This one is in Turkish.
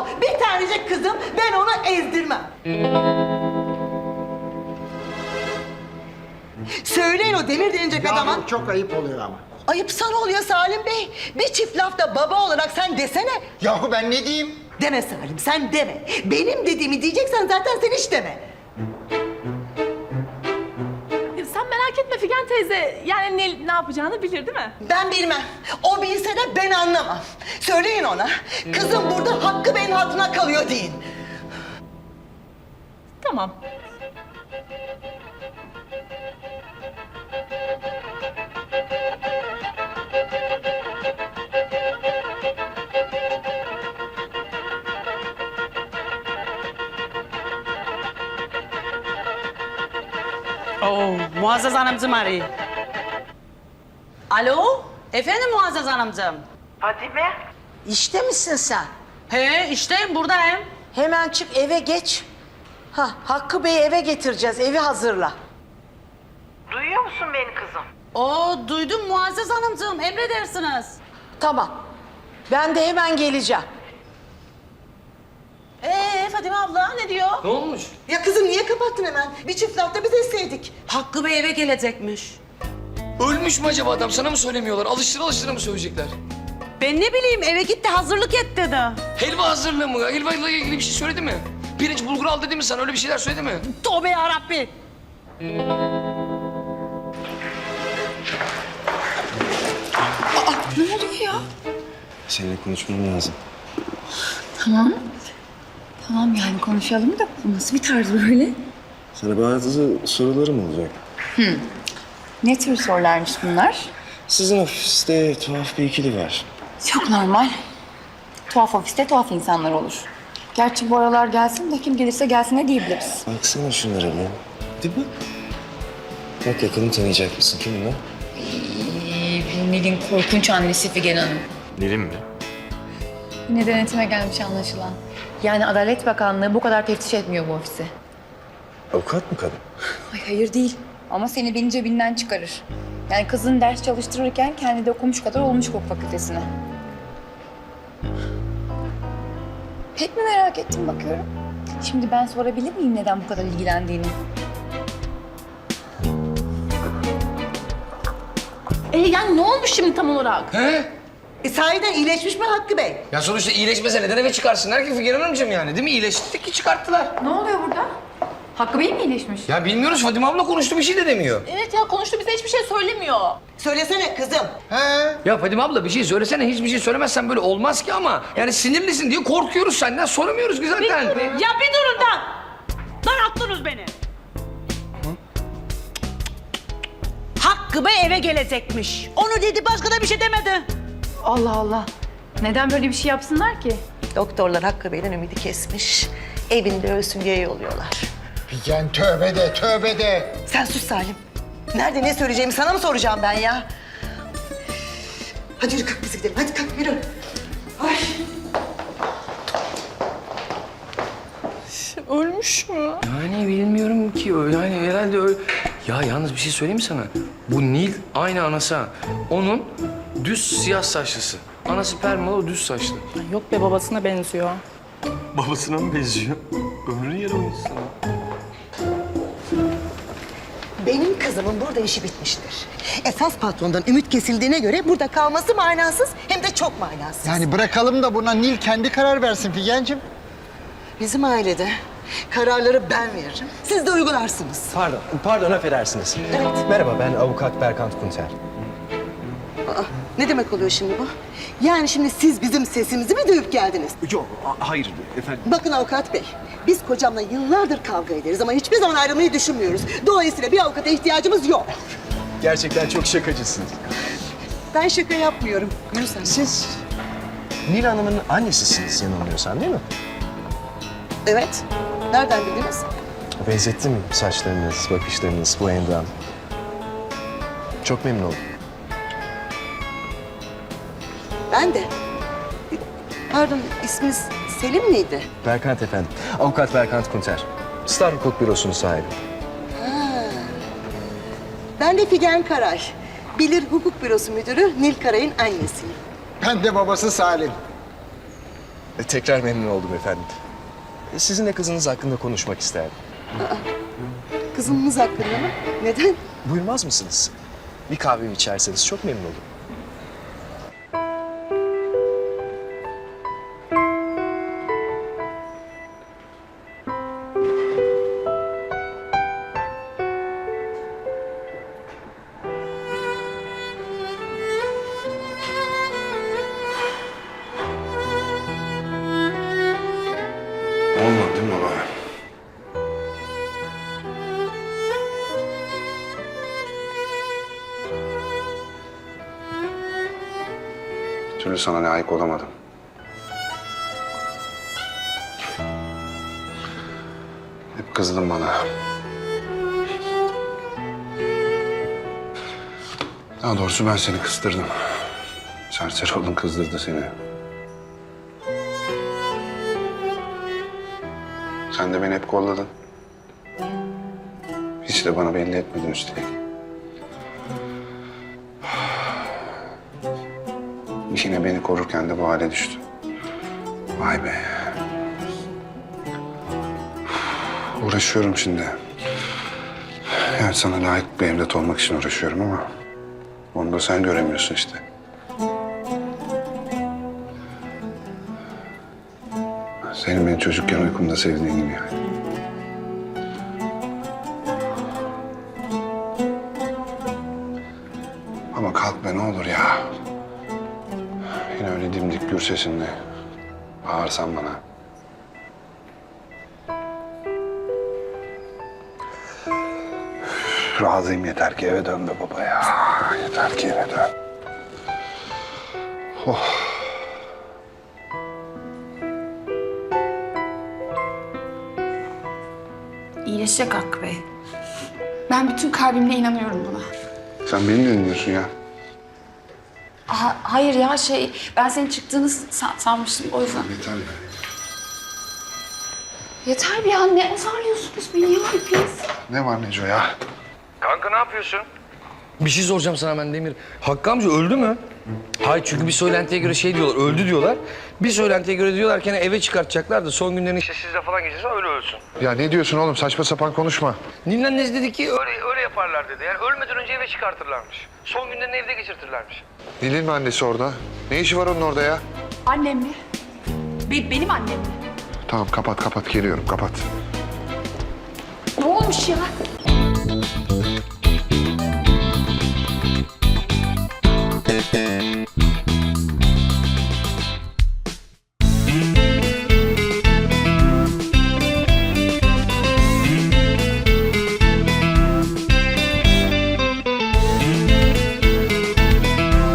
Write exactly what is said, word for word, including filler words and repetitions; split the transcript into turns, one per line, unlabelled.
Bir tanecik kızım, ben onu ezdirmem. Söyleyin o demir denilecek adama.
Yahu çok ayıp oluyor ama.
Ayıp sana oluyor Salim Bey. Bir çift lafta baba olarak sen desene.
Yahu ben ne diyeyim?
Deme Salim, sen deme. Benim dediğimi diyeceksen zaten sen hiç deme.
Sen merak etme Figen teyze. Yani ne, ne yapacağını bilir değil mi?
Ben bilmem. O bilse de ben anlamam. Söyleyin ona. Kızım burada Hakkı Bey'in hatırına kalıyor deyin.
Tamam.
Oo, Muazzez Hanımcığım arıyor. Alo, efendim Muazzez Hanımcığım.
Fadime,
İşte misin sen?
He, işteyim, buradayım.
Hemen çık eve geç. Ha, Hakkı Bey'i eve getireceğiz. Evi hazırla.
duyuyor musun beni kızım?
Oo, duydum Muazzez Hanımcığım, emredersiniz.
Tamam. Ben de hemen geleceğim.
Ee, Fadime abla ne diyor?
Ne olmuş?
Ya kızım niye kapattın hemen? Bir çift lafta biz etseydik.
Hakkı Bey eve gelecekmiş.
Ölmüş mü acaba adam? Sana mı söylemiyorlar? Alıştıra alıştıra mı söyleyecekler?
Ben ne bileyim, eve gitti hazırlık et dedi.
Helva hazırlığı mı? Helva ile ilgili bir şey söyledi mi? Pirinç bulgur al dedi mi sana? Öyle bir şeyler söyledi mi?
Tövbe yarabbi.
Seninle konuşmam lazım.
Tamam. Tamam yani konuşalım da bu nasıl bir tarz böyle?
Sana bazı sorularım olacak.
Ne tür sorularmış bunlar?
Sizin ofiste tuhaf bir ikili var.
Çok normal. Tuhaf ofiste tuhaf insanlar olur. Gerçi bu aralar gelsin de kim gelirse gelsin ne diyebiliriz.
Baksana şunlara bir. Değil mi? Bak yakını tanıyacak mısın? Kim bunlar?
Ee, bu Nil'in korkunç annesi Figen Hanım.
Nil'im mi?
Yine denetime gelmiş anlaşılan. Yani Adalet Bakanlığı bu kadar teftiş etmiyor bu ofisi.
Avukat mı kadın?
Ay hayır değil. Ama seni benim cebinden çıkarır. Yani kızın ders çalıştırırken kendi de okumuş kadar olmuş hukuk fakültesine. Pek mi merak ettim bakıyorum. Şimdi ben sorabilir miyim neden bu kadar ilgilendiğini?
E yani ne olmuş şimdi tam olarak?
He?
E sahiden iyileşmiş mi Hakkı Bey?
Ya sonuçta iyileşmese neden eve çıkarsınlar ki Figen Hanımcığım yani? Değil mi? İyileştirdik ki çıkarttılar.
Ne oluyor burada? Hakkı Bey mi iyileşmiş?
Ya bilmiyoruz. Fadime abla konuştu, bir şey de demiyor.
Evet ya konuştu bize hiçbir şey söylemiyor.
Söylesene kızım.
He.
Ya Fadime abla bir şey söylesene. Hiçbir şey söylemezsen böyle olmaz ki ama. Yani sinirlisin diye korkuyoruz senden. Soramıyoruz ki zaten.
Ya bir durun da. Daralttınız beni. Hakkı Bey eve gelecekmiş. Onu dedi, başka da bir şey demedi.
Allah Allah. Neden böyle bir şey yapsınlar ki?
Doktorlar Hakkı Bey'den ümidi kesmiş. Evinde ölsün diye yolluyorlar.
Figen tövbe de tövbe de.
Sen sus Salim. Nerede ne söyleyeceğimi sana mı soracağım ben ya? Hadi yürü kalk biz gidelim. Hadi kalk yürü. Ay.
Ölmüş mü?
Yani bilmiyorum ki öyle. Yani herhalde öyle. Ya yalnız bir şey söyleyeyim mi sana? Bu Nil aynı anası ha. Onun düz siyah saçlısı. Anası permalı, o düz saçlı.
Yok be babasına benziyor.
Babasına mı benziyor? Ömrünü yaramayız sana.
Benim kızımın burada işi bitmiştir. Esas patrondan ümit kesildiğine göre burada kalması manasız hem de çok manasız.
Yani bırakalım da buna Nil kendi karar versin Figen'cim.
Bizim ailede kararları ben veririm. Siz de uygularsınız.
Pardon, pardon affedersiniz.
Evet.
Merhaba, ben avukat Berkant Kunter.
Aa, ne demek oluyor şimdi bu? Yani şimdi siz bizim sesimizi mi duyup geldiniz?
Yok, a- hayır efendim.
Bakın avukat bey, biz kocamla yıllardır kavga ederiz ama hiçbir zaman ayrılmayı düşünmüyoruz. Dolayısıyla bir avukata ihtiyacımız yok.
Gerçekten çok şakacısınız.
Ben şaka yapmıyorum. Yürü sen.
Siz Nil Hanım'ın annesisiniz yanılmıyorsam değil mi?
Evet. Nereden bildiniz?
Benzettim mi saçlarınız, bakışlarınız, bu endam? Çok memnun oldum.
Ben de. Pardon, isminiz Selim miydi?
Berkant efendim. Avukat Berkant Kunter. Star Hukuk Bürosu'nun sahibi.
Ben de Figen Karay. Bilir Hukuk Bürosu Müdürü Nil Karay'ın annesiyim.
Ben de babası Salim.
E, tekrar memnun oldum efendim. E, sizinle kızınız hakkında konuşmak isterdim.
Kızımız hakkında mı? Neden?
Buyurmaz mısınız? Bir kahvemi içerseniz çok memnun olurum.
Olmadı değil mi baba? Bir türlü sana layık olamadım. Hep kızdın bana. Daha doğrusu ben seni kızdırdım. Serseri oldun, kızdırdı seni. Sen de beni hep kolladın. Hiç de bana belli etmedin üstelik. Yine beni korurken de bu hale düştün. Vay be. Uğraşıyorum şimdi. Yani sana layık bir evlat olmak için uğraşıyorum ama... onu da sen göremiyorsun işte. Senin beni çocukken uykumda sevdiğin gibi yani. Ama kalk be ne olur ya. Yine öyle dimdik gür sesinle bağırsan bana. Üf, razıyım, yeter ki eve dön be baba ya. Yeter ki eve dön. Oh.
İyileşecek Hakkı Bey. Ben bütün kalbimle inanıyorum buna.
Sen beni ne dinliyorsun ya?
Aha, hayır ya şey, ben senin çıktığını sa- sanmıştım o yüzden.
Yeter be.
Yeter bir ya, ne azarlıyorsunuz beni ya hepiniz?
Ne var Neco ya?
Kanka ne yapıyorsun? Bir şey soracağım sana ben Demir. Hakkı amca öldü mü? Hayır, çünkü bir söylentiye göre şey diyorlar, öldü diyorlar. Bir söylentiye göre diyorlar ki hani eve çıkartacaklar da son günlerini işte sizle falan geçirse öyle ölsün.
Ya ne diyorsun oğlum? Saçma sapan konuşma.
Nil'in annesi dedi ki öyle, öyle yaparlar dedi. Yani ölmeden önce eve çıkartırlarmış. Son günlerini evde geçirtirlermiş.
Nil'in mi annesi orada? Ne işi var onun orada ya?
Annem mi? Be- benim annem mi?
Tamam kapat kapat, geliyorum kapat.
Ne olmuş ya?